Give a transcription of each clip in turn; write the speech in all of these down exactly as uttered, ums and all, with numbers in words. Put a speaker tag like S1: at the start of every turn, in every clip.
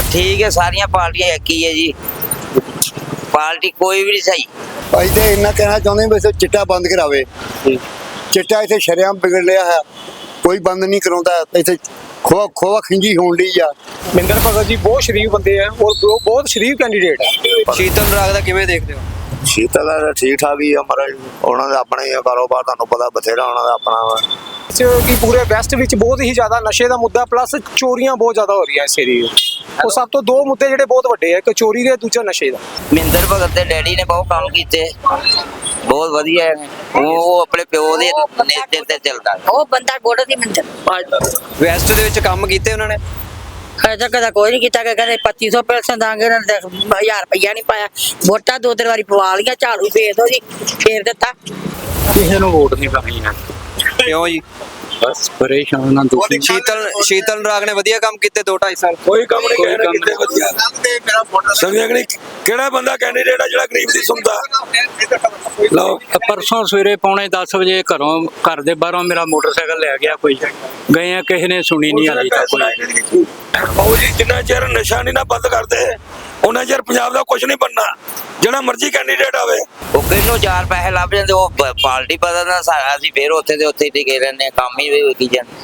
S1: ठीक है, सारिया पार्टियां एक ही है जी, पार्टी कोई भी नहीं सही।
S2: ਅਸੀਂ ਤੇ ਇੰਨਾ ਕਹਿਣਾ ਚਾਹੁੰਦੇ ਵੀ ਚਿੱਟਾ ਬੰਦ ਕਰਾਵੇ। ਚਿੱਟਾ ਇੱਥੇ ਸ਼ਰੇਆਮ ਵਿਗੜ ਲਿਆ ਹੈ, ਕੋਈ ਬੰਦ ਨਹੀਂ ਕਰਾਉਂਦਾ। ਇੱਥੇ ਖੋਆ ਖੋਆ ਖਿੰਜੀ ਹੋਣ ਡਈ ਆ।
S3: ਮਹਿੰਦਰ ਭਗਤ ਜੀ ਬਹੁਤ ਸ਼ਰੀਫ ਬੰਦੇ ਆ ਔਰ ਬਹੁਤ ਸ਼ਰੀਫ ਕੈਂਡੀਡੇਟ ਹੈ।
S4: ਸ਼ੀਤਲ ਰਾਗ ਦਾ ਕਿਵੇਂ ਦੇਖਦੇ ਹੋ?
S5: ਸ਼ੀਤਲ ਦਾ ਠੀਕ ਠਾਕ ਹੀ ਆ ਮਹਾਰਾਜ, ਉਹਨਾਂ ਦਾ ਆਪਣਾ ਹੀ ਆ ਕਾਰੋਬਾਰ, ਤੁਹਾਨੂੰ ਪਤਾ ਬਥੇਰਾ ਉਹਨਾਂ ਦਾ ਆਪਣਾ ਵਾ।
S3: ਕਿ ਪੂਰੇ ਵੈਸਟ ਵਿੱਚ ਬਹੁਤ ਹੀ ਜ਼ਿਆਦਾ ਨਸ਼ੇ ਦਾ ਮੁੱਦਾ ਪਲੱਸ ਚੋਰੀਆਂ ਬਹੁਤ ਜ਼ਿਆਦਾ ਹੋ ਰਹੀਆਂ ਇਸ ਏਰੀਏ ਉਹ ਸਭ ਤੋਂ ਦੋ ਮੁੱਦੇ ਜਿਹੜੇ ਬਹੁਤ ਵੱਡੇ ਆ, ਇੱਕ ਚੋਰੀ ਦੇ, ਦੂਜਾ ਨਸ਼ੇ ਦਾ।
S1: ਮਹਿੰਦਰ ਭਗਤ ਦੇ ਡੈਡੀ ਨੇ ਬਹੁਤ ਕੰਮ ਕੀਤੇ, ਬਹੁਤ ਵਧੀਆ ਹੈ। ਉਹ ਆਪਣੇ ਪਿਓ ਦੇ ਨੇਤੇ ਤੇ ਚੱਲਦਾ,
S6: ਉਹ ਬੰਦਾ ਗੋੜ ਦੀ ਮੰਦਰ
S4: ਵੈਸਟ ਦੇ ਵਿੱਚ ਕੰਮ ਕੀਤੇ ਉਹਨਾਂ ਨੇ?
S6: ਅਜੇ ਤੱਕ ਕੋਈ ਨਹੀਂ ਕੀਤਾ ਕਿ ਕਹਿੰਦੇ ਪੱਚੀ ਸੌ ਪੈਸੇ ਦਾਂਗੇ, ਉਹਨਾਂ ਨੇ ਹਜ਼ਾਰ ਰੁਪਈਆ ਨਹੀਂ ਪਾਇਆ। ਵੋਟਾਂ ਦੋ ਤਿੰਨ ਵਾਰੀ ਪਵਾ ਲੀਆਂ, ਝਾੜੂ ਫੇਰ ਦੋ ਜੀ, ਫੇਰ ਦਿੱਤਾ।
S7: ਕਿਸੇ ਨੂੰ ਵੋਟ ਨਹੀਂ ਪਾਣੀ ਹੈ,
S4: ਕਿਉਂ ਜੀ?
S7: ਬਸ ਪਰੇਸ਼ਾਨ ਨਾ ਦੁਖੀ।
S4: ਸ਼ੀਤਲ ਸ਼ੀਤਲ ਰਾਗ ਨੇ ਵਧੀਆ ਕੰਮ ਕੀਤੇ ਦੋ ਢਾਈ ਸਾਲ?
S8: ਕੋਈ ਕੰਮ ਨਹੀਂ ਕਹਿਣਾ ਕਿਤੇ ਵਧੀਆ ਸਮਝਿਆ ਕਿ ਨਹੀਂ? ਕਿਹੜਾ ਬੰਦਾ ਕੈਂਡੀਡੇਟ ਆ ਜਿਹੜਾ ਗਰੀਬ ਦੀ ਸੁਣਦਾ? ਲਓ
S7: ਪਰਸੋਂ ਸਵੇਰੇ ਪੌਣੇ ਦਸ ਵਜੇ ਘਰੋਂ ਘਰ ਦੇ ਬਾਹਰੋਂ ਮੇਰਾ ਮੋਟਰਸਾਈਕਲ ਲੈ ਗਿਆ ਕੋਈ, ਗਏ ਆ, ਕਿਸੇ ਨੇ ਸੁਣੀ ਨਹੀਂ ਹਾਲੇ ਤੱਕ ਕੋਈ।
S8: ਬਾਊ ਜੀ ਜਿੰਨਾ ਚਿਰ ਨਸ਼ਾ ਨਹੀਂ ਨਾ ਬੰਦ ਕਰਦੇ ਉਹਨਾਂ ਚਿਰ ਪੰਜਾਬ ਦਾ ਕੁਝ ਨਹੀਂ ਬਣਨਾ, ਜਿਹੜਾ ਮਰਜ਼ੀ ਕੈਂਡੀਡੇਟ ਆਵੇ।
S1: ਉਹ ਕਿਹਨੂੰ ਚਾਰ ਪੈਸੇ ਲੱਭ ਜਾਂਦੇ, ਉਹ ਪ- ਪਾਰਟੀ ਬਦਲਦਾ ਸਾਰਾ, ਅਸੀਂ ਫੇਰ ਉੱਥੇ ਦੇ ਉੱਥੇ ਟਿਕੇ ਰਹਿੰਦੇ, ਕੰਮ ਹੀ ਵੀ ਕੀ ਜਾਂਦੇ।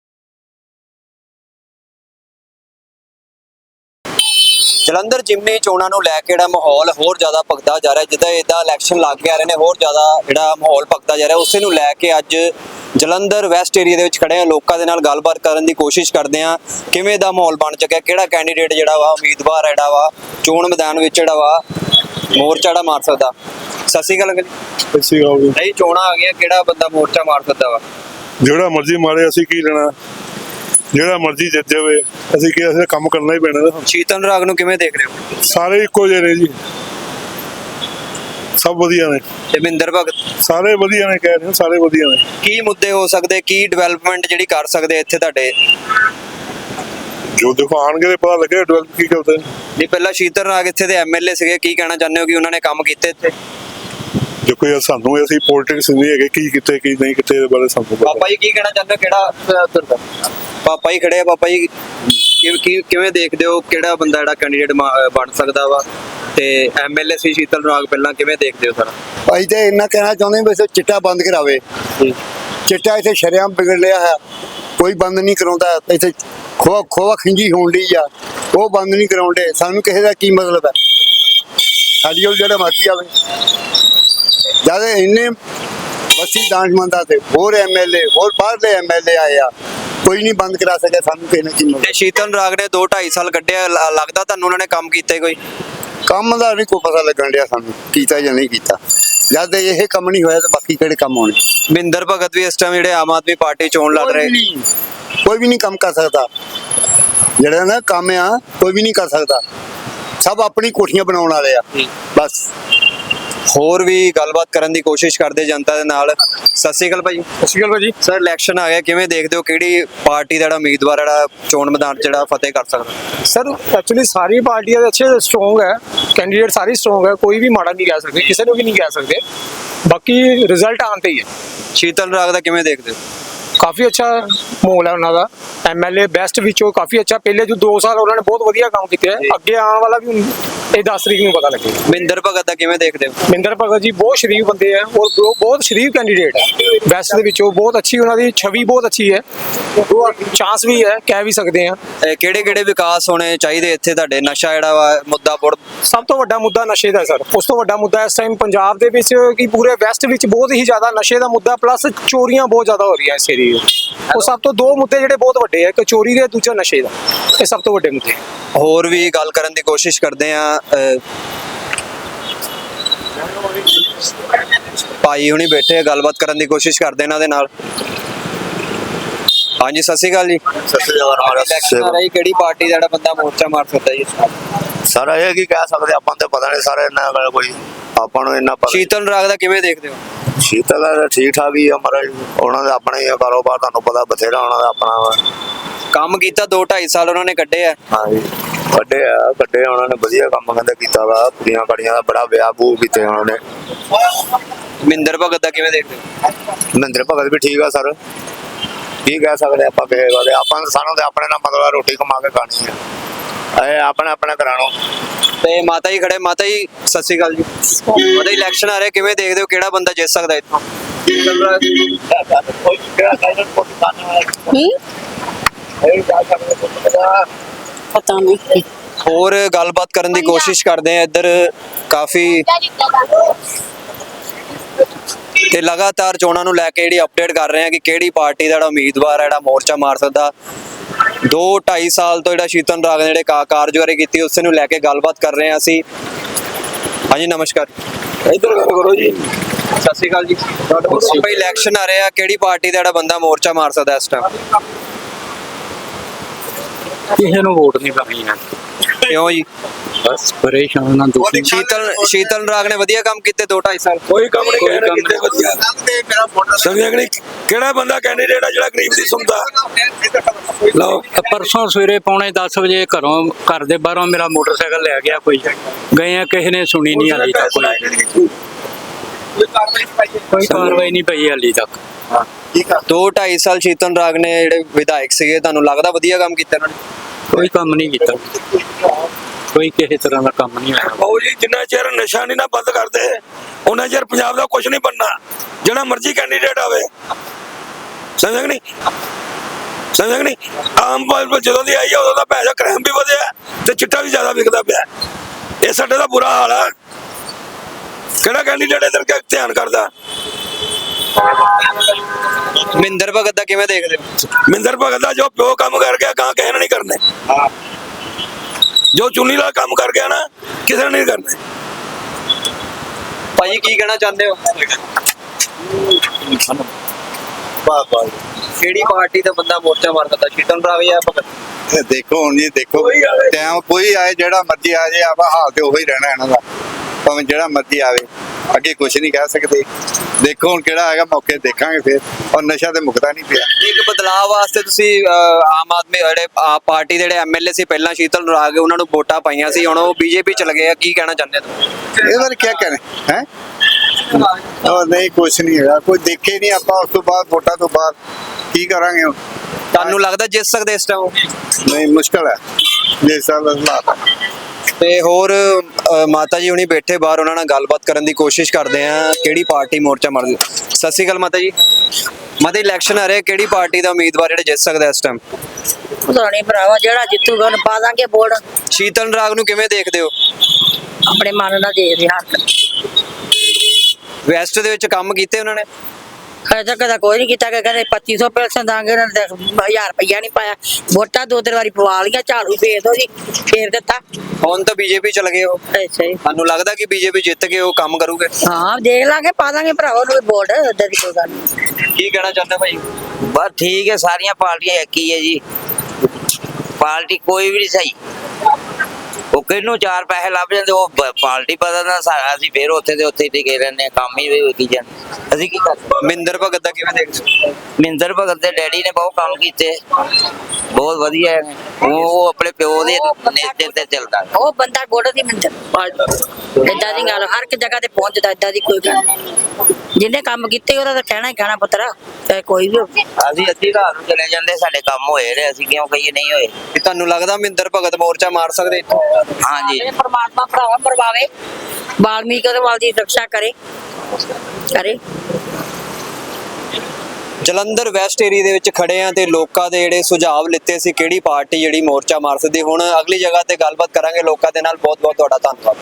S4: ਜਲੰਧਰ ਜਿਮਨੀ ਚੋਣਾਂ ਨੂੰ ਲੈ ਕੇ ਜਿਹੜਾ ਮਾਹੌਲ ਹੋਰ ਜ਼ਿਆਦਾ ਭਖਦਾ ਜਾ ਰਿਹਾ, ਜਿੱਦਾਂ ਇਹਦਾ ਇਲੈਕਸ਼ਨ ਲੱਗ ਕੇ ਆ ਰਹੇ ਨੇ, ਹੋਰ ਜ਼ਿਆਦਾ ਜਿਹੜਾ ਮਾਹੌਲ ਭਖਦਾ ਜਾ ਰਿਹਾ, ਉਸੇ ਨੂੰ ਲੈ ਕੇ ਅੱਜ ਜਲੰਧਰ ਵੈਸਟ ਏਰੀਆ ਦੇ ਵਿੱਚ ਖੜੇ ਆ, ਲੋਕਾਂ ਦੇ ਨਾਲ ਗੱਲਬਾਤ ਕਰਨ ਦੀ ਕੋਸ਼ਿਸ਼ ਕਰਦੇ ਆ ਕਿਵੇਂ ਦਾ ਮਾਹੌਲ ਬਣ ਚੁੱਕਿਆ, ਕਿਹੜਾ ਕੈਂਡੀਡੇਟ ਜਿਹੜਾ ਵਾ ਉਮੀਦਵਾਰ ਜਿਹੜਾ ਵਾ ਚੋਣ ਮੈਦਾਨ ਵਿੱਚ ਜਿਹੜਾ ਵਾ ਮੋਰਚਾ ਜਿਹੜਾ ਮਾਰ ਸਕਦਾ। ਸਤਿ ਸ਼੍ਰੀ ਅਕਾਲ ਅੰਕਲ ਜੀ। ਨਹੀਂ ਚੋਣਾਂ ਆ ਗਈਆਂ, ਕਿਹੜਾ ਬੰਦਾ ਮੋਰਚਾ ਮਾਰ ਸਕਦਾ ਵਾ?
S9: ਜਿਹੜਾ ਮਰਜ਼ੀ ਮਾਰੇ, ਅਸੀਂ ਕੀ ਲੈਣਾ, ਜਿਹੜਾ ਮਰਜ਼ੀ ਜਿੱਤ ਜਾਵੇ, ਅਸੀਂ ਕੀ, ਅਸੀਂ ਕੰਮ ਕਰਨਾ ਹੀ ਪੈਣਾ ਨਾ।
S4: ਸ਼ੀਤਲ ਰਾਗ ਨੂੰ ਕਿਵੇਂ ਦੇਖ ਰਹੇ ਹੋ?
S9: ਸਾਰੇ ਇੱਕੋ ਜਿਹੇ ਨੇ ਜੀ, ਸਭ ਵਧੀਆ ਨੇ।
S4: ਤੇ ਮਹਿੰਦਰ ਭਗਤ?
S9: ਸਾਰੇ ਵਧੀਆ ਨੇ, ਕਹਿ ਰਹੇ ਸਾਰੇ ਵਧੀਆ ਨੇ।
S4: ਕੀ ਮੁੱਦੇ ਹੋ ਸਕਦੇ, ਕੀ ਡਿਵੈਲਪਮੈਂਟ ਜਿਹੜੀ ਕਰ ਸਕਦੇ ਇੱਥੇ ਤੁਹਾਡੇ?
S9: ਜੋ ਦੇਖੋ ਆਣਗੇ ਤੇ ਪਤਾ ਲੱਗੇਗਾ ਡਿਵੈਲਪ ਕੀ ਕਰਦੇ ਨੇ।
S4: ਨਹੀਂ ਪਹਿਲਾਂ ਸ਼ੀਤਲ ਰਾਗ ਇੱਥੇ ਦੇ ਐਮਐਲਏ ਸੀਗੇ, ਕੀ ਕਹਿਣਾ ਚਾਹੁੰਦੇ ਹੋ ਕਿ ਉਹਨਾਂ ਨੇ ਕੰਮ ਕੀਤੇ ਇੱਥੇ?
S9: ਦੇਖੋ ਯਾਰ ਸਾਨੂੰ ਅਸੀਂ ਪੋਲਿਟਿਕਸ ਨਹੀਂ ਹੈਗੇ, ਕੀ ਕੀਤੇ ਕੀ ਨਹੀਂ ਕੀਤੇ ਇਹਦੇ ਬਾਰੇ ਸਾਨੂੰ ਪਤਾ।
S4: ਪਾਪਾ ਜੀ ਕੀ ਕਹਿਣਾ ਚਾਹੁੰਦੇ ਹੋ, ਕਿਹੜਾ ਪਾਪਾ ਜੀ ਖੜੇ ਆ, ਪਾਪਾ ਜੀ ਕਿ- ਕੀ ਕਿਵੇਂ ਦੇਖਦੇ ਹੋ ਕਿਹੜਾ ਬੰਦਾ ਜਿਹੜਾ ਕੈਂਡੀਡੇਟ ਬਣ ਸਕਦਾ ਵਾ? ਤੇ ਐਮਐਲਏ ਸੀ ਸ਼ੀਤਲ ਰਾਗ, ਪਹਿਲਾਂ ਕਿਵੇਂ ਦੇਖਦੇ ਹੋ ਸਾਰਾ?
S2: ਅਸੀਂ ਤੇ ਇੰਨਾ ਕਹਿਣਾ ਚਾਹੁੰਦੇ ਵੀ ਚਿੱਟਾ ਬੰਦ ਕਰਾਵੇ। ਚਿੱਟਾ ਇੱਥੇ ਸ਼ਰੇਆਮ ਵਿਗੜ ਲਿਆ ਹੈ, ਕੋਈ ਬੰਦ ਨਹੀਂ ਕਰਾਉਂਦਾ। ਇੱਥੇ ਖੋਆ ਖੋਆ ਖਿੰਜੀ ਹੋਣ ਡਈ ਆ, ਉਹ ਬੰਦ ਨਹੀਂ ਕਰਾਉਂਦੇ। ਸਾਨੂੰ ਕਿਸੇ ਦਾ ਕੀ ਮਤਲਬ ਹੈ? ਸਾਡੀ ਕੋਲ ਜਿਹੜਾ ਮਰਜ਼ੀ ਆਵੇ, ਜਦ ਇੰਨੇ ਬਸੀ ਦਾਨਸ਼ਮੰਦਾ ਤੇ ਹੋਰ ਐਮਐਲਏ ਹੋਰ ਬਾਹਰਲੇ ਐਮਐਲਏ ਆਏ ਆ, ਕੋਈ ਨਹੀਂ ਬੰਦ ਕਰਾ ਸਕਿਆ। ਸਾਨੂੰ ਕਿਸੇ ਨੇ ਕੀ ਮਤਲਬ?
S4: ਤੇ ਸ਼ੀਤਲ ਰਾਗ ਨੇ ਦੋ ਢਾਈ ਸਾਲ ਕੱਢਿਆ, ਲ- ਲੱਗਦਾ ਤੁਹਾਨੂੰ ਉਹਨਾਂ ਨੇ ਕੰਮ ਕੀਤੇ ਕੋਈ?
S2: ਕੰਮ ਦਾ ਨਹੀਂ ਕੋਈ ਪਤਾ ਲੱਗਣ ਡਿਆ ਸਾਨੂੰ, ਕੀਤਾ ਜਾਂ ਨਹੀਂ ਕੀਤਾ। ਜਦ ਇਹ ਕੰਮ ਨਹੀਂ ਹੋਇਆ ਤਾਂ ਬਾਕੀ ਕਿਹੜੇ ਕੰਮ ਹੋਣੇ?
S4: ਮਹਿੰਦਰ ਭਗਤ ਵੀ ਇਸ ਟਾਈਮ ਜਿਹੜੇ ਆਮ ਆਦਮੀ ਪਾਰਟੀ ਚੋਣ ਲੜ ਰਹੇ,
S2: ਕੋਈ ਵੀ ਨਹੀਂ ਕੰਮ ਕਰ ਸਕਦਾ। ਜਿਹੜਾ ਨਾ ਕੰਮ ਆ ਕੋਈ ਵੀ ਨਹੀਂ ਕਰ ਸਕਦਾ, ਸਭ ਆਪਣੀ ਕੋਠੀਆਂ ਬਣਾਉਣ ਵਾਲੇ ਆ ਬਸ।
S4: ਹੋਰ ਵੀ ਗੱਲਬਾਤ ਕਰਨ ਦੀ ਕੋਸ਼ਿਸ਼ ਕਰਦੇ ਜਨਤਾ ਦੇ ਨਾਲ। ਸਤਿ ਸ਼੍ਰੀ ਅਕਾਲ ਭਾਈ।
S3: ਸਤਿ ਸ਼੍ਰੀ ਅਕਾਲ ਭਾਜੀ।
S4: ਸਰ ਇਲੈਕਸ਼ਨ ਆ ਗਿਆ, ਕਿਵੇਂ ਦੇਖਦੇ ਹੋ ਕਿਹੜੀ ਪਾਰਟੀ ਦਾ ਜਿਹੜਾ ਉਮੀਦਵਾਰ ਜਿਹੜਾ ਚੋਣ ਮੈਦਾਨ 'ਚ ਜਿਹੜਾ ਫਤਿਹ ਕਰ ਸਕਦਾ?
S3: ਸਰ ਐਕਚੁਅਲੀ ਸਾਰੀ ਪਾਰਟੀਆਂ ਦੇ ਅੱਛੇ ਸਟਰੋਂਗ ਹੈ, ਕੈਂਡੀਡੇਟ ਸਾਰੀ ਸਟਰੋਂਗ ਹੈ, ਕੋਈ ਵੀ ਮਾੜਾ ਨਹੀਂ ਕਹਿ ਸਕਦੇ, ਕਿਸੇ ਨੂੰ ਵੀ ਨਹੀਂ ਕਹਿ ਸਕਦੇ। ਬਾਕੀ ਰਿਜ਼ਲਟ ਆਉਣ ਤੇ ਹੀ ਹੈ।
S4: ਸ਼ੀਤਲ ਰਾਗ ਦਾ ਕਿਵੇਂ ਦੇਖਦੇ ਹੋ?
S3: ਕਾਫੀ ਅੱਛਾ ਮਾਹੌਲ ਹੈ ਉਹਨਾਂ ਦਾ, ਐਮਐਲਏ ਬੈਸਟ ਵਿੱਚੋਂ ਕਾਫੀ ਅੱਛਾ। ਪਹਿਲੇ ਜੋ ਦੋ ਸਾਲ ਉਹਨਾਂ ਨੇ ਬਹੁਤ ਵਧੀਆ ਕੰਮ ਕੀਤੇ ਹੈ, ਅੱਗੇ ਆਉਣ ਵਾਲਾ ਵੀ ਇਹ ਦਸ ਤਰੀਕ ਨੂੰ ਪਤਾ ਲੱਗੇਗਾ।
S4: ਮਹਿੰਦਰ ਭਗਤ ਦਾ ਕਿਵੇਂ ਦੇਖਦੇ ਹੋ?
S3: ਮਹਿੰਦਰ ਭਗਤ ਜੀ ਬਹੁਤ ਸ਼ਰੀਫ ਬੰਦੇ ਆ ਔਰ ਬਹੁਤ ਸ਼ਰੀਫ ਕੈਂਡੀਡੇਟ ਹੈ ਵੈਸਟ ਦੇ ਵਿੱਚੋਂ, ਬਹੁਤ ਅੱਛੀ ਉਹਨਾਂ ਦੀ ਛਵੀ ਬਹੁਤ ਅੱਛੀ ਹੈ, ਚਾਂਸ ਵੀ ਹੈ, ਕਹਿ ਵੀ ਸਕਦੇ ਆ।
S4: ਕਿਹੜੇ ਕਿਹੜੇ ਵਿਕਾਸ ਹੋਣੇ ਚਾਹੀਦੇ ਇੱਥੇ ਤੁਹਾਡੇ? ਨਸ਼ਾ ਜਿਹੜਾ ਵਾ ਮੁੱਦਾ ਬਹੁਤ
S3: ਸਭ ਤੋਂ ਵੱਡਾ ਮੁੱਦਾ ਨਸ਼ੇ ਦਾ ਸਰ, ਉਸ ਤੋਂ ਵੱਡਾ ਮੁੱਦਾ ਇਸ ਟਾਈਮ ਪੰਜਾਬ ਦੇ ਵਿੱਚ ਕਿ ਪੂਰੇ ਵੈਸਟ ਵਿੱਚ ਬਹੁਤ ਹੀ ਜ਼ਿਆਦਾ ਨਸ਼ੇ ਦਾ ਮੁੱਦਾ ਪਲੱਸ ਚੋਰੀਆਂ ਬਹੁਤ ਜ਼ਿਆਦਾ ਹੋ ਰਹੀਆਂ ਇਸ ਏਰੀਏ ਉਹ ਸਭ ਤੋਂ ਦੋ ਮੁੱਦੇ ਜਿਹੜੇ ਬਹੁਤ ਵੱਡੇ ਆ, ਇੱਕ ਚੋਰੀ ਦੇ, ਦੂਜਾ ਨਸ਼ੇ ਦਾ। ਇਹ ਸਭ ਤੋਂ ਵੱਡੇ ਮੁੱਦੇ।
S4: ਹੋਰ ਵੀ ਗੱਲ ਕਰਨ ਦੀ ਕੋਸ਼ਿਸ਼ ਕਰਦੇ ਆ, ਭਾਈ ਹੁਣੀ ਬੈਠੇ, ਗੱਲਬਾਤ ਕਰਨ ਦੀ ਕੋਸ਼ਿਸ਼ ਕਰਦੇ ਇਹਨਾਂ ਦੇ ਨਾਲ। ਹਾਂਜੀ ਸਤਿ ਸ਼੍ਰੀ ਅਕਾਲ ਜੀ।
S5: ਸਤਿ ਸ੍ਰੀ ਅਕਾਲ ਮਹਾਰਾਜ।
S4: ਇਲੈਕਸ਼ਨ ਆ ਰਹੀ, ਕਿਹੜੀ ਪਾਰਟੀ ਦਾ ਜਿਹੜਾ ਬੰਦਾ ਮੋਰਚਾ ਮਾਰ ਸਕਦਾ ਜੀ?
S5: ਸਾਰਾ ਇਹ ਕੀ ਕਹਿ ਸਕਦੇ ਆਪਾਂ, ਤੇ ਪਤਾ ਨਹੀਂ ਸਾਰੇ ਇਹਨਾਂ ਗੱਲ ਕੋਈ ਆਪਾਂ ਨੂੰ ਇੰਨਾ ਪਤਾ।
S4: ਸ਼ੀਤਲ ਰਾਗ ਦਾ ਕਿਵੇਂ ਦੇਖਦੇ ਹੋ?
S5: ਸ਼ੀਤਲ ਦਾ ਠੀਕ ਠਾਕ ਹੀ ਆ ਮਹਾਰਾਜ, ਉਹਨਾਂ ਦਾ ਆਪਣਾ ਹੀ ਆ ਕਾਰੋਬਾਰ, ਤੁਹਾਨੂੰ ਪਤਾ ਬਥੇਰਾ ਉਹਨਾਂ ਦਾ ਆਪਣਾ ਵਾ।
S4: ਕੰਮ ਕੀਤਾ ਦੋ ਢਾਈ ਸਾਲ ਉਹਨਾਂ ਨੇ ਕੱਢੇ ਆ।
S5: ਹਾਂਜੀ ਵੱਡੇ ਆ, ਵੱਡੇ ਉਹਨਾਂ ਨੇ ਵਧੀਆ ਕੰਮ ਕਹਿੰਦੇ ਕੀਤਾ ਵਾ, ਕੁੜੀਆਂ ਕੜੀਆਂ ਦਾ ਬੜਾ ਵਿਆਹ ਬੂ ਕੀਤੇ ਉਹਨਾਂ ਨੇ।
S4: ਮਹਿੰਦਰ ਭਗਤ ਦਾ ਕਿਵੇਂ ਦੇਖਦੇ ਹੋ?
S5: ਮਹਿੰਦਰ ਭਗਤ ਵੀ ਠੀਕ ਆ ਸਰ, ਕੀ ਕਹਿ ਸਕਦੇ ਆਪਾਂ ਕਿਸੇ ਬਾਰੇ। ਆਪਾਂ ਸਾਨੂੰ ਤੇ ਆਪਣੇ ਨਾਲ ਮਤਲਬ ਰੋਟੀ ਕਮਾ ਕੇ ਖਾਣੀ ਆ, ਇਹ ਆਪਣਾ ਆਪਣਾ ਕਰਾਣੋ।
S4: ਤੇ ਮਾਤਾ ਜੀ ਖੜੇ, ਮਾਤਾ ਜੀ ਸਤਿ ਸ਼੍ਰੀ ਅਕਾਲ ਜੀ। ਉਹਦਾ ਇਲੈਕਸ਼ਨ ਆ ਰਿਹਾ, ਕਿਵੇਂ ਦੇਖਦੇ ਹੋ ਕਿਹੜਾ ਬੰਦਾ ਜਿੱਤ ਸਕਦਾ ਇੱਥੋਂ?
S6: ਪਤਾ ਨਹੀਂ।
S4: ਹੋਰ ਗੱਲਬਾਤ ਕਰਨ ਦੀ ਕੋਸ਼ਿਸ਼ ਕਰਦੇ ਆ ਇੱਧਰ ਕਾਫੀ, ਤੇ ਲਗਾਤਾਰ ਚੋਣਾਂ ਨੂੰ ਲੈ ਕੇ ਜਿਹੜੀ ਅਪਡੇਟ ਕਰ ਰਹੇ ਆ ਕਿ ਕਿਹੜੀ ਪਾਰਟੀ ਦਾ ਜਿਹੜਾ ਉਮੀਦਵਾਰ ਹੈ ਜਿਹੜਾ ਮੋਰਚਾ ਮਾਰ ਸਕਦਾ। ਦੋ ਢਾਈ ਸਾਲ ਤੋਂ ਜਿਹੜਾ ਸ਼ੀਤਲ ਰਾਗ ਨੇ ਜਿਹੜੇ ਕਾ- ਕਾਰਜਕਾਰੀ ਕੀਤੀ ਉਸੇ ਨੂੰ ਲੈ ਕੇ ਗੱਲਬਾਤ ਕਰ ਰਹੇ ਆ ਅਸੀਂ। ਹਾਂਜੀ ਨਮਸਕਾਰ,
S8: ਇੱਧਰ ਗੱਲ ਕਰੋ ਜੀ।
S4: ਸਤਿ ਸ਼੍ਰੀ ਅਕਾਲ ਜੀ। ਭਾਈ ਇਲੈਕਸ਼ਨ ਆ ਰਿਹਾ, ਕਿਹੜੀ ਪਾਰਟੀ ਦਾ ਜਿਹੜਾ ਬੰਦਾ ਮੋਰਚਾ ਮਾਰ ਸਕਦਾ ਇਸ ਟਾਈਮ?
S7: ਕਿਸੇ ਨੂੰ ਵੋਟ ਨਹੀਂ ਪਾਣੀ ਹੈ,
S4: ਕਿਉਂ ਜੀ?
S7: ਬਸ ਪਰੇਸ਼ਾਨ ਨਾ ਦੁਖੀ।
S4: ਸ਼ੀਤਲ ਸ਼ੀਤਲ ਰਾਗ ਨੇ ਵਧੀਆ ਕੰਮ ਕੀਤੇ ਦੋ ਢਾਈ ਸਾਲ।
S8: ਕੋਈ ਕੰਮ ਨਹੀਂ ਕਹਿ ਰਹੇ ਕਿਤੇ ਵਧੀਆ। ਸਮਝਿਆ ਕਿ ਨਹੀਂ? ਕਿਹੜਾ ਬੰਦਾ ਕੈਂਡੀਡੇਟ ਆ ਜਿਹੜਾ ਗਰੀਬ ਦੀ ਸੁਣਦਾ? ਲਓ
S7: ਪਰਸੋਂ ਸਵੇਰੇ ਪੌਣੇ ਦਸ ਵਜੇ ਘਰੋਂ ਘਰ ਦੇ ਬਾਹਰੋਂ ਮੇਰਾ ਮੋਟਰਸਾਈਕਲ ਲੈ ਗਿਆ ਕੋਈ, ਗਏ ਆ ਕਿਸੇ ਨੇ ਸੁਣੀ ਨਹੀਂ ਹਾਲੇ ਤੱਕ ਕੋਈ ਕੋਈ ਕਾਰਵਾਈ ਨਹੀਂ ਪਈ ਹਾਲੇ ਤੱਕ।
S4: ਦੋ ਢਾਈ ਸਾਲ ਸ਼ੀਤਲ ਰਾਗ ਨੇ ਜਿਹੜੇ ਵਿਧਾਇਕ ਸੀਗੇ, ਤੁਹਾਨੂੰ ਲੱਗਦਾ ਵਧੀਆ ਕੰਮ ਕੀਤਾ ਇਹਨਾਂ ਨੇ?
S7: ਕੋਈ ਕੰਮ ਨਹੀਂ ਕੀਤਾ, ਕੋਈ ਕਿਸੇ ਤਰ੍ਹਾਂ ਦਾ ਕੰਮ ਨਹੀਂ ਹੋਇਆ।
S8: ਬਾਊ ਜੀ ਜਿੰਨਾ ਚਿਰ ਨਸ਼ਾ ਨਹੀਂ ਨਾ ਬੰਦ ਕਰਦੇ ਉਹਨਾਂ ਚਿਰ ਪੰਜਾਬ ਦਾ ਕੁਝ ਨਹੀਂ ਬਣਨਾ। ਜਿਹੜਾ ਮਰਜ਼ੀ ਕੈਂਡੀਡੇਟ ਆਵੇ, ਸਮਝ ਗਏ ਨਹੀਂ? ਸਮਝ ਗਏ ਨਹੀਂ? ਆਮ ਪਾਰਟੀ ਜਦੋਂ ਦੀ ਆਈ ਹੈ ਉਦੋਂ ਦਾ ਪੈਸਾ ਕ੍ਰਾਈਮ ਵੀ ਵਧਿਆ ਤੇ ਚਿੱਟਾ ਵੀ ਜ਼ਿਆਦਾ ਵਿਕਦਾ ਪਿਆ। ਇਹ ਸਾਡੇ ਦਾ ਬੁਰਾ ਹਾਲ ਆ। ਕਿਹੜਾ ਕੈਂਡੀਡੇਟ ਇਧਰ ਧਿਆਨ ਕਰਦਾ?
S4: ਮਹਿੰਦਰ ਭਗਤ ਦਾ ਕਿਵੇਂ ਦੇਖਦੇ ਹੋ?
S8: ਮਹਿੰਦਰ ਭਗਤ ਦਾ ਜੋ ਪਿਓ ਕੰਮ ਕਰ ਗਿਆ ਕਾਂ ਕਿਸੇ ਨੇ ਨਹੀਂ ਕਰਨੇ। ਜੋ ਚੁੰਨੀ ਵਾਲਾ ਕੰਮ ਕਰ ਗਿਆ ਨਾ ਕਿਸੇ ਨੇ ਨਹੀਂ ਕਰਨੇ।
S4: ਭਾਜੀ ਕੀ ਕਹਿਣਾ ਚਾਹੁੰਦੇ ਹੋ?
S2: ਵਾਹ ਵਾਹ
S4: ਕਿਹੜੀ ਪਾਰਟੀ ਦਾ ਬੰਦਾ ਮੋਰਚਾ ਮਾਰ ਸਕਦਾ, ਸ਼ੀਤਲ ਰਾਗ ਜਾਂ ਭਗਤ?
S2: ਇਹ ਦੇਖੋ ਹੁਣ ਜੀ, ਦੇਖੋ ਟਾਈਮ ਕੋਈ ਆਏ, ਜਿਹੜਾ ਮਰਜ਼ੀ ਆ ਜਾਏ, ਆਪਾਂ ਹਾਲ ਤੇ ਉਹੀ ਰਹਿਣਾ ਇਹਨਾਂ ਦਾ, ਭਾਵੇਂ ਜਿਹੜਾ ਮਰਜ਼ੀ ਆਵੇ, ਅੱਗੇ ਕੁਝ ਨਹੀਂ ਕਹਿ ਸਕਦੇ। ਦੇਖੋ ਹੁਣ ਕਿਹੜਾ ਆਏਗਾ, ਮੌਕੇ ਦੇਖਾਂਗੇ ਫਿਰ। ਔਰ ਨਸ਼ਾ ਤੇ ਮੁਕਦਾ ਨਹੀਂ ਪਿਆ।
S4: ਇੱਕ ਬਦਲਾਅ ਵਾਸਤੇ ਤੁਸੀਂ ਅਹ, ਆਮ ਆਦਮੀ ਜਿਹੜੇ ਆਪ ਪਾਰਟੀ ਦੇ ਜਿਹੜੇ ਐਮਐਲਏ ਸੀ ਪਹਿਲਾਂ ਸ਼ੀਤਲ ਰਾਗ, ਉਹਨਾਂ ਨੂੰ ਵੋਟਾਂ ਪਾਈਆਂ ਸੀ, ਹੁਣ ਉਹ ਬੀਜੇਪੀ ਚ ਗਏ ਆ, ਕੀ ਕਹਿਣਾ ਚਾਹੁੰਦੇ ਹੋ?
S2: ਇਹ ਬਾਰੇ ਕੀ ਕਹਿਣਾ ਹੈ? ਉਹ ਨਹੀਂ, ਕੁਝ ਨਹੀਂ ਹੈਗਾ, ਕੋਈ ਦੇਖੇ ਨਹੀਂ ਆਪਾਂ। ਉਸ ਤੋਂ ਬਾਅਦ ਵੋਟਾਂ ਤੋਂ ਬਾਅਦ ਕੀ ਕਰਾਂਗੇ ਹੁਣ?
S4: ਤੁਹਾਨੂੰ ਲੱਗਦਾ ਜਿੱਤ ਸਕਦੇ ਇਸ ਟਾਈਮ?
S2: ਨਹੀਂ, ਮੁਸ਼ਕਲ ਹੈ ਜਿਸ ਸਾਲ ਹਾਲਾਤ ਹੈ।
S4: ਤੇ ਹੋਰ ਅਹ, ਮਾਤਾ ਜੀ ਹੁਣੀ ਬੈਠੇ ਬਾਹਰ, ਉਹਨਾਂ ਨਾਲ ਗੱਲਬਾਤ ਕਰਨ ਦੀ ਕੋਸ਼ਿਸ਼ ਕਰਦੇ ਆ ਕਿਹੜੀ ਪਾਰਟੀ ਮੋਰਚਾ ਮਾਰਦੀ। ਸਤਿ ਸ਼੍ਰੀ ਅਕਾਲ ਮਾਤਾ ਜੀ। ਮਾਤਾ ਇਲੈਕਸ਼ਨ ਆ ਰਿਹਾ, ਕਿਹੜੀ ਪਾਰਟੀ ਦਾ ਉਮੀਦਵਾਰ ਜਿਹੜਾ ਜਿੱਤ ਸਕਦਾ ਇਸ ਟਾਈਮ?
S6: ਪਤਾ ਨਹੀਂ ਭਰਾਵਾ, ਜਿਹੜਾ ਜਿੱਤੂਗਾ ਉਹਨੂੰ ਪਾ ਦਾਂਗੇ ਵੋਟ।
S4: ਸ਼ੀਤਲ ਰਾਗ ਨੂੰ ਕਿਵੇਂ ਦੇਖਦੇ ਹੋ?
S6: ਆਪਣੇ ਮਨ ਨਾਲ ਦੇ ਦੇ ਹੱਕ।
S4: ਵੈਸਟ ਦੇ ਵਿੱਚ ਕੰਮ ਕੀਤੇ ਉਹਨਾਂ ਨੇ?
S6: ਹਜੇ ਤੱਕ ਤਾਂ ਕੋਈ ਨਹੀਂ ਕੀਤਾ ਕਿ ਕਹਿੰਦੇ ਪੱਚੀ ਸੌ ਪੈਨਸ਼ਨ ਦਾਂਗੇ, ਉਹਨਾਂ ਨੇ ਹਜ਼ਾਰ ਰੁਪਈਆ ਨਹੀਂ ਪਾਇਆ। ਵੋਟਾਂ ਦੋ ਤਿੰਨ ਵਾਰੀ ਪਵਾ ਲਈਆਂ, ਝਾੜੂ ਫੇਰ ਦੋ ਜੀ, ਫੇਰ ਦਿੱਤਾ।
S4: ਹੁਣ ਤਾਂ ਬੀਜੇਪੀ ਚ ਗਏ ਹੋ,
S6: ਅੱਛਾ ਜੀ।
S4: ਤੁਹਾਨੂੰ ਲੱਗਦਾ ਕਿ ਬੀਜੇਪੀ ਜਿੱਤ ਕੇ ਉਹ ਕੰਮ ਕਰੂਗੇ?
S6: ਹਾਂ ਦੇਖ ਲਾਂਗੇ, ਪਾ ਦਾਂਗੇ ਭਰਾਵਾ ਨੂੰ ਵੋਟ, ਏਦਾਂ ਦੀ ਕੋਈ ਗੱਲ ਨਹੀਂ।
S4: ਕੀ ਕਹਿਣਾ ਚਾਹੁੰਦੇ ਭਾਈ?
S1: ਬਸ ਠੀਕ ਹੈ, ਸਾਰੀਆਂ ਪਾਰਟੀਆਂ ਇੱਕ ਹੀ ਹੈ ਜੀ। ਪਾਰਟੀ ਕੋਈ ਵੀ ਨਹੀਂ ਸਹੀ। ਉਹ ਕਿਹਨੂੰ ਚਾਰ ਪੈਸੇ ਲੱਭ ਜਾਂਦੇ, ਉਹ ਪ- ਪਾਰਟੀ ਬਦਲਦਾ, ਸਾਰਾ ਅਸੀਂ ਫੇਰ ਉੱਥੇ ਦੇ ਉੱਥੇ ਟਿਕੇ ਰਹਿੰਦੇ, ਕੰਮ ਹੀ ਵੀ ਕੀ ਜਾਂਦੇ। ਅਸੀਂ ਕੀ ਕਰਦੇ?
S4: ਮਹਿੰਦਰ ਭਗਤ ਦਾ ਕਿਵੇਂ ਦੇਖਦੇ ਹੋ?
S1: ਮਹਿੰਦਰ ਭਗਤ ਦੇ ਡੈਡੀ ਨੇ ਬਹੁਤ ਕੰਮ ਕੀਤੇ, ਬਹੁਤ ਵਧੀਆ ਹੈ। ਉਹ ਉਹ ਆਪਣੇ ਪਿਓ ਦੇ ਨੇਤੇ ਤੇ ਚੱਲਦਾ।
S6: ਉਹ ਬੰਦਾ ਗੋੜ ਦੀ ਮੰਦਰ ਏਦਾਂ ਦੀ ਗੱਲ, ਹਰ ਇੱਕ ਜਗ੍ਹਾ ਤੇ ਪਹੁੰਚਦਾ, ਏਦਾਂ ਦੀ ਕੋਈ ਗੱਲ ਨਹੀਂ। ਜਿਹਨੇ ਕੰਮ ਕੀਤੇ ਉਹਦਾ ਤਾਂ ਕਹਿਣਾ ਹੀ ਕਹਿਣਾ ਪੁੱਤਰਾ, ਚਾਹੇ ਕੋਈ ਵੀ ਹੋਵੇ।
S1: ਅਸੀਂ ਅੱਧੀ ਰਾਤ ਨੂੰ ਚਲੇ ਜਾਂਦੇ, ਸਾਡੇ ਕੰਮ ਹੋਏ ਨੇ, ਅਸੀਂ ਕਿਉਂ ਕਹੀਏ ਨਹੀਂ ਹੋਏ।
S4: ਕਿ ਤੁਹਾਨੂੰ ਲੱਗਦਾ ਮਹਿੰਦਰ ਭਗਤ ਮੋਰਚਾ ਮਾਰ ਸਕਦੇ ਇੱਥੋਂ?
S1: ਹਾਂਜੀ।
S6: ਪਰਮਾਤਮਾ ਭਰਾਵਾ ਮਰਵਾਵੇ, ਵਾਲਮੀਕ ਅਗਰਵਾਲ ਦੀ ਰੱਖਿਆ ਕਰੇ ਕਰੇ।
S4: ਜਲੰਧਰ ਵੈਸਟ ਏਰੀਆ ਦੇ ਵਿੱਚ ਖੜੇ ਆ ਤੇ ਲੋਕਾਂ ਦੇ ਜਿਹੜੇ ਸੁਝਾਅ ਲਿੱਤੇ ਸੀ ਕਿਹੜੀ ਪਾਰਟੀ ਜਿਹੜੀ ਮੋਰਚਾ ਮਾਰ ਸਕਦੀ। ਹੁਣ ਅਗਲੀ ਜਗ੍ਹਾ ਤੇ ਗੱਲਬਾਤ ਕਰਾਂਗੇ ਲੋਕਾਂ ਦੇ ਨਾਲ। ਬਹੁਤ ਬਹੁਤ ਤੁਹਾਡਾ ਧੰਨਵਾਦ।